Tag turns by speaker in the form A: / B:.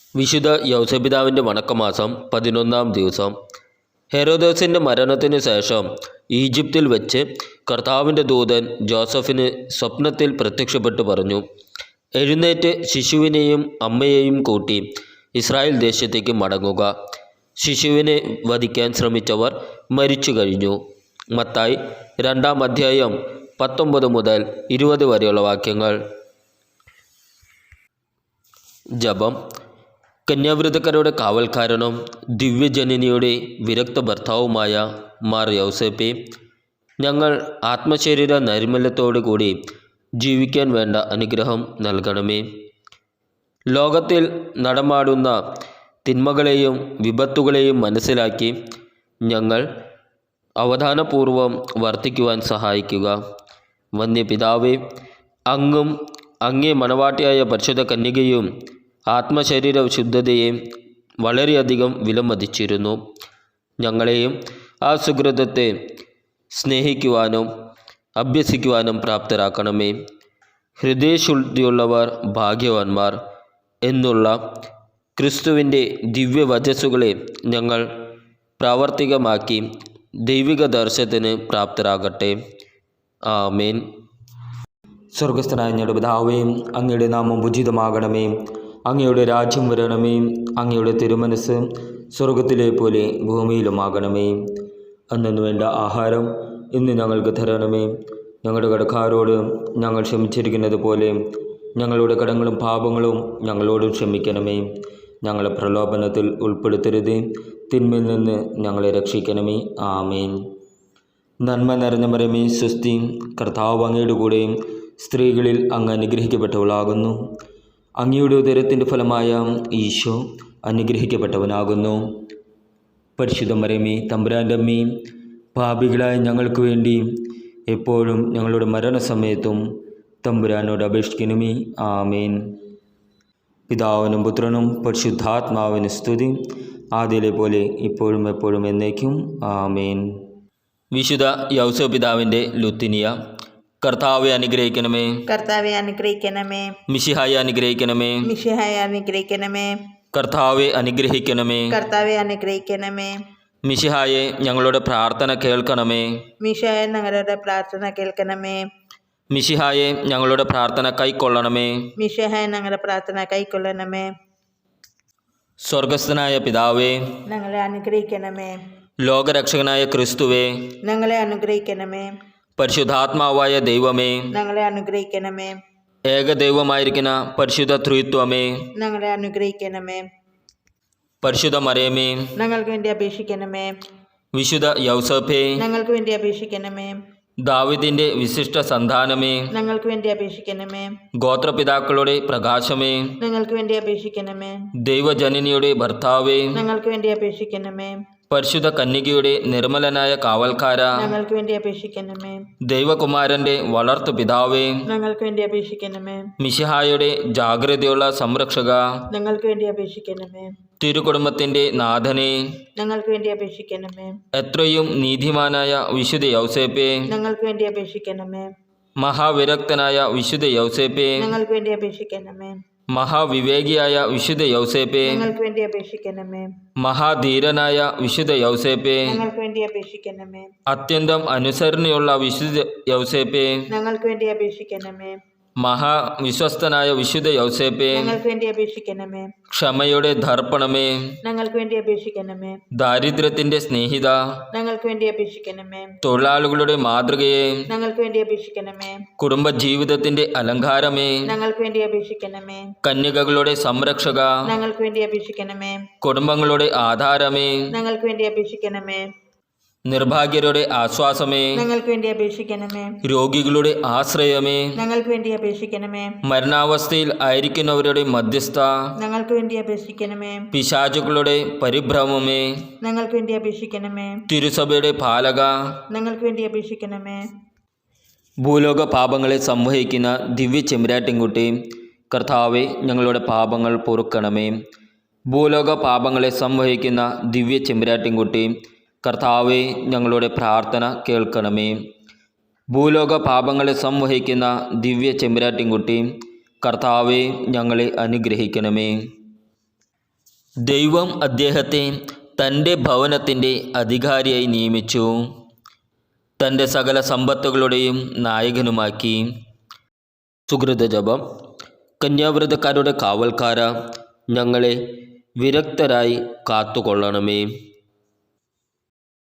A: വിശുദ്ധ യൗസപിതാവിൻ്റെ വണക്കമാസം 11-ാം ദിവസം. ഹെരോദോസിൻ്റെ മരണത്തിനു ശേഷം ഈജിപ്തിൽ വെച്ച് കർത്താവിൻ്റെ ദൂതൻ ജോസഫിന് സ്വപ്നത്തിൽ പ്രത്യക്ഷപ്പെട്ടു പറഞ്ഞു, എഴുന്നേറ്റ് ശിശുവിനെയും അമ്മയെയും കൂട്ടി ഇസ്രായേൽ ദേശത്തേക്ക് മടങ്ങുക. ശിശുവിനെ വധിക്കാൻ ശ്രമിച്ചവർ മരിച്ചു കഴിഞ്ഞു. മത്തായി 2-ാം അധ്യായം 19 മുതൽ 20 വരെയുള്ള വാക്യങ്ങൾ. ജപം. കന്യാവ്രതക്കാരുടെ കാവൽക്കാരനും ദിവ്യജനനിയുടെ വിരക്ത ഭർത്താവുമായ മാർ യൗസേപ്പെ, ഞങ്ങൾ ആത്മശരീര നൈർമല്യത്തോടു കൂടി ജീവിക്കാൻ വേണ്ട അനുഗ്രഹം നൽകണമേ. ലോകത്തിൽ നടമാടുന്ന തിന്മകളെയും വിപത്തുകളെയും മനസ്സിലാക്കി ഞങ്ങൾ അവധാനപൂർവം വർത്തിക്കുവാൻ സഹായിക്കുക. വന്യപിതാവേ, അങ്ങും അങ്ങേ മണവാട്ടിയായ പരിശുദ്ധ കന്യകയും ആത്മശരീര ശുദ്ധതയെ വളരെയധികം വിലമതിച്ചിരുന്നു. ഞങ്ങളെയും ആ സുഹൃതത്തെ സ്നേഹിക്കുവാനും അഭ്യസിക്കുവാനും പ്രാപ്തരാക്കണമേ. ഹൃദയശുദ്ധിയുള്ളവർ ഭാഗ്യവാന്മാർ എന്നുള്ള ക്രിസ്തുവിൻ്റെ ദിവ്യവചസ്സുകളെ ഞങ്ങൾ പ്രാവർത്തികമാക്കി ദൈവിക ദർശനത്തിന് പ്രാപ്തരാകട്ടെ. ആമേൻ.
B: സ്വർഗസ്ഥനായ ഞങ്ങളുടെ പിതാവേ, അങ്ങയുടെ നാമം ഉചിതമാകണമേ. അങ്ങയുടെ രാജ്യം വരണമേ. അങ്ങയുടെ തിരുമനസ് സ്വർഗത്തിലെ പോലെ ഭൂമിയിലുമാകണമേ. അന്നു വേണ്ട ആഹാരം ഇന്ന് ഞങ്ങൾക്ക് തരണമേ. ഞങ്ങളുടെ കടക്കാരോട് ഞങ്ങൾ ക്ഷമിച്ചിരിക്കുന്നത് പോലെ ഞങ്ങളുടെ കടങ്ങളും പാപങ്ങളും ഞങ്ങളോടും ക്ഷമിക്കണമേ. ഞങ്ങളെ പ്രലോഭനത്തിൽ ഉൾപ്പെടുത്തരുത്, തിന്മയിൽ നിന്ന് ഞങ്ങളെ രക്ഷിക്കണമേ. ആമേൻ. നന്മ നിറഞ്ഞ മറിയമേ, സ്വസ്തി, കർത്താവ് അങ്ങയുടെ കൂടെ സ്ത്രീകളിൽ അങ്ങ് അനുഗ്രഹിക്കപ്പെട്ടവളാകുന്നു. അങ്ങയുടെ ഉദരത്തിൻ്റെ ഫലമായ ഈശോ അനുഗ്രഹിക്കപ്പെട്ടവനാകുന്നു. പരിശുദ്ധ മറിയമേ, തമ്പുരാൻ്റെ അമ്മേ, പാപികളായ ഞങ്ങൾക്ക് വേണ്ടി എപ്പോഴും ഞങ്ങളുടെ മരണസമയത്തും തമ്പുരാനോട് അപേക്ഷിക്കണമേ. ആമേൻ. പിതാവിനും പുത്രനും പരിശുദ്ധാത്മാവിന് സ്തുതി, ആദ്യയിലെ പോലെ ഇപ്പോഴും എപ്പോഴും എന്നേക്കും. ആമേൻ.
A: വിശുദ്ധ യൗസപിതാവിൻ്റെ ലുത്തിനിയ. കർത്താവെ അനുഗ്രഹിക്കണമേ.
C: കർത്താവെ അനുഗ്രഹിക്കണമേ.
A: മിശിഹായെ അനുഗ്രഹിക്കണമേ.
C: മിശിഹായെ അനുഗ്രഹിക്കണമേ.
A: കർത്താവെ അനുഗ്രഹിക്കണമേ.
C: കർത്താവെ അനുഗ്രഹിക്കണമേ.
A: മിശിഹായെ ഞങ്ങളുടെ പ്രാർത്ഥന കേൾക്കണമേ.
C: മിശിഹായെ ഞങ്ങളുടെ പ്രാർത്ഥന കേൾക്കണമേ.
A: മിശിഹായെ ഞങ്ങളുടെ പ്രാർത്ഥന കൈക്കൊള്ളണമേ.
C: മിശിഹായെ ഞങ്ങളുടെ പ്രാർത്ഥന കൈക്കൊള്ളണമേ.
A: സ്വർഗസ്ഥനായ പിതാവേ,
C: ഞങ്ങളെ അനുഗ്രഹിക്കണമേ.
A: ലോകരക്ഷകനായ ക്രിസ്തുവേ,
C: ഞങ്ങളെ അനുഗ്രഹിക്കണമേ.
A: പരിശുദ്ധാത്മാവായ ദൈവമേ,
C: ഞങ്ങളെ അനുഗ്രഹിക്കണമേ.
A: ഏകദൈവമായിരിക്കുന്ന പരിശുദ്ധ ത്രിത്വമേ,
C: ഞങ്ങളെ അനുഗ്രഹിക്കണമേ.
A: പരിശുദ്ധ മറിയമേ,
C: ഞങ്ങൾക്ക് വേണ്ടി അപേക്ഷിക്കണമേ.
A: വിശുദ്ധ യൗസേപ്പേ,
C: ഞങ്ങൾക്ക് വേണ്ടി അപേക്ഷിക്കണമേ.
A: ദാവീദിന്റെ വിശിഷ്ട സന്താനമേ,
C: ഞങ്ങൾക്ക് വേണ്ടി അപേക്ഷിക്കണമേ.
A: ഗോത്രപിതാക്കളുടെ പ്രകാശമേ,
C: ഞങ്ങൾക്ക് വേണ്ടി അപേക്ഷിക്കണമേ.
A: ദൈവജനനിയുടെ ഭർത്താവേ,
C: ഞങ്ങൾക്ക് വേണ്ടി അപേക്ഷിക്കണമേ.
A: പരിശുദ്ധ കന്യകയുടെ നിർമ്മലനായ കാവൽക്കാര,
C: ഞങ്ങൾക്ക് വേണ്ടി അപേക്ഷിക്കണമേ.
A: ദൈവകുമാരന്റെ വളർത്തു പിതാവേ,
C: ഞങ്ങൾക്ക് വേണ്ടി അപേക്ഷിക്കണമേ.
A: മിശിഹായുടെ ജാഗ്രതയുള്ള സംരക്ഷക,
C: ഞങ്ങൾക്ക് വേണ്ടി അപേക്ഷിക്കണമേ.
A: തിരുകുടുംബത്തിന്റെ നാഥനെ,
C: ഞങ്ങൾക്ക് വേണ്ടി അപേക്ഷിക്കണമേ.
A: എത്രയും നീതിമാനായ വിശുദ്ധ യൗസേപ്പേ,
C: ഞങ്ങൾക്ക് വേണ്ടി അപേക്ഷിക്കണമേ.
A: മഹാവിരക്തനായ വിശുദ്ധ യൗസേപ്പേ,
C: ഞങ്ങൾക്ക് വേണ്ടി അപേക്ഷിക്കണമേ.
A: മഹാവിവേകിയായ വിശുദ്ധ യൗസേപ്പേ,
C: ഞങ്ങൾക്ക് വേണ്ടി അപേക്ഷിക്കണമേ.
A: മഹാധീരനായ വിശുദ്ധ യൗസേപ്പേ,
C: ഞങ്ങൾക്ക് വേണ്ടി അപേക്ഷിക്കണമേ.
A: അത്യന്തം അനുസരണയുള്ള വിശുദ്ധ യൗസേപ്പേ,
C: ഞങ്ങൾക്ക് വേണ്ടി അപേക്ഷിക്കണമേ.
A: മഹാവിശ്വസ്തനായ വിശുദ്ധ യൗസേപ്പേ,
C: ഞങ്ങൾക്ക് വേണ്ടി അപേക്ഷിക്കണമേ.
A: ക്ഷമയുടെ ദർപ്പണമേ,
C: ഞങ്ങൾക്ക് വേണ്ടി അപേക്ഷിക്കണമേ.
A: ദാരിദ്ര്യത്തിന്റെ സ്നേഹിത,
C: ഞങ്ങൾക്ക് വേണ്ടി അപേക്ഷിക്കണമേ.
A: തൊഴിലാളികളുടെ മാതൃകയെ,
C: ഞങ്ങൾക്ക് വേണ്ടി അപേക്ഷിക്കണമേ.
A: കുടുംബജീവിതത്തിന്റെ അലങ്കാരമേ,
C: ഞങ്ങൾക്ക് വേണ്ടി അപേക്ഷിക്കണമേ.
A: കന്യകകളുടെ സംരക്ഷക,
C: ഞങ്ങൾക്ക് വേണ്ടി അപേക്ഷിക്കണമേ.
A: കുടുംബങ്ങളുടെ ആധാരമേ,
C: ഞങ്ങൾക്ക് വേണ്ടി അപേക്ഷിക്കണമേ.
A: നിർഭാഗ്യരുടെ ആശ്വാസമേ,
C: ഞങ്ങൾക്ക് വേണ്ടി അപേക്ഷിക്കണമേ.
A: രോഗികളുടെ ആശ്രയമേ,
C: ഞങ്ങൾക്ക് വേണ്ടി അപേക്ഷിക്കണമേ.
A: മരണാവസ്ഥയിൽ ആയിരിക്കുന്നവരുടെ മധ്യസ്ഥ,
C: ഞങ്ങൾക്ക് വേണ്ടി അപേക്ഷിക്കണമേ.
A: പിശാചുക്കളുടെ പരിഭ്രമമേ,
C: ഞങ്ങൾക്ക് വേണ്ടി അപേക്ഷിക്കണമേ.
A: തിരുസഭയുടെ പാലക,
C: ഞങ്ങൾക്ക് വേണ്ടി അപേക്ഷിക്കണമേ.
A: ഭൂലോക പാപങ്ങളെ സംവഹിക്കുന്ന ദിവ്യ ചെമ്പരാട്ടിൻകുട്ടി, കർത്താവെ ഞങ്ങളുടെ പാപങ്ങൾ പൊറുക്കണമേ. ഭൂലോക പാപങ്ങളെ സംവഹിക്കുന്ന ദിവ്യ ചെമ്പരാട്ടിൻകുട്ടി, കർത്താവെ ഞങ്ങളുടെ പ്രാർത്ഥന കേൾക്കണമേ. ഭൂലോക പാപങ്ങളെ സംവഹിക്കുന്ന ദിവ്യ ചെമ്പരാട്ടിൻകുട്ടി, കർത്താവെ ഞങ്ങളെ അനുഗ്രഹിക്കണമേ. ദൈവം അദ്ദേഹത്തെ തൻ്റെ ഭവനത്തിൻ്റെ അധികാരിയായി നിയമിച്ചു, തൻ്റെ സകല സമ്പത്തുകളുടെയും നായകനുമാക്കി. സുകൃത ജപം. കന്യാവ്രതക്കാരുടെ കാവൽക്കാര, ഞങ്ങളെ വിരക്തരായി കാത്തുകൊള്ളണമേ.